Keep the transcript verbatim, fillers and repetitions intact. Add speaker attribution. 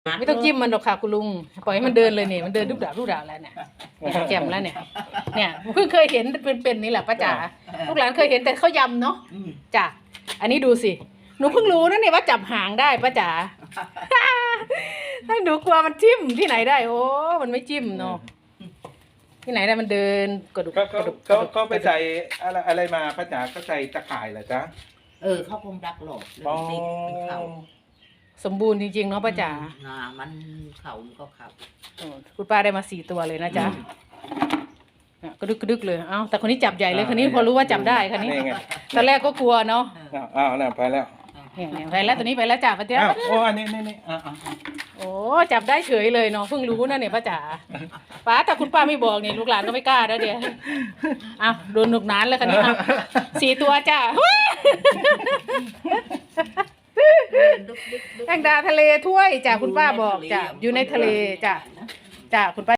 Speaker 1: ไม่ต้องจิ้มมันหรอกค่ะคุณลุงปล่อยให้มันเดินเลยเนี่ยมันเดินดุบดาบดุบดาบแล้วเนี่ยแจ่มแล้วเนี่ยเนี่ยเพิ่งเคยเห็นเป็นๆนี่แหละป้าจ๋าลูกหลานเคยเห็นแต่เขายำเนาะจ้ะอันนี้ดูสิหนูเพิ่งรู้นะเนี่ยว่าจับหางได้ป้าจ๋าให้หนูกลัวมันจิ้มที่ไหนได้โอ้มันไม่จิ้มเนาะที่ไหนได้มันเดินกระดุก
Speaker 2: ก็
Speaker 1: กระดุก
Speaker 2: ก็ก็ไปใส่อะไรอะไรมาป้าจ๋าก็ใส่ตะข่ายเหรอจ๊ะ
Speaker 3: เออเขาคงดักหลอกเลยติดเป็นเขา
Speaker 1: สมบูรณ์จริงๆเนาะป้าจ๋า
Speaker 3: หนามันเขามันก็เขา
Speaker 1: โอ้คุณป้าได้มาสี่ตัวเลยนะจ๊ะเนี่ยกระดึกกระดึกเลยเอ้าแต่คนนี้จับใหญ่เลยคนนี้พอรู้ว่าจับได้คนนี้
Speaker 2: นี่ไง
Speaker 1: ตอนแรกก็กลัวเนาะ
Speaker 2: อ้าวอ้าวน่ะไปแล้ว
Speaker 1: เนี่ยเนี่ยไปแล้วตัวนี้ไปแล้วจ้ะป้าจ๋า
Speaker 2: อ้าวโอ้อันนี้นี่นี่อ่าอ่า
Speaker 1: โอ้จับได้เฉยเลยเนาะเพิ่งรู้นะเนี่ยป้าจ๋าป้าแต่คุณป้าไม่บอกเนี่ยลูกหลานก็ไม่กล้าแล้วเดี๋ยวอ้าวโดนหนุกนานแล้วคันนี้อ้าวสี่ตัวจ้ะ
Speaker 3: ดุกดิกดุก
Speaker 1: แตงดาทะเลถ้วยจ้ะคุณป้าบอกจ้ะอยู่ในทะเลจ้ะจ้ะคุณป้า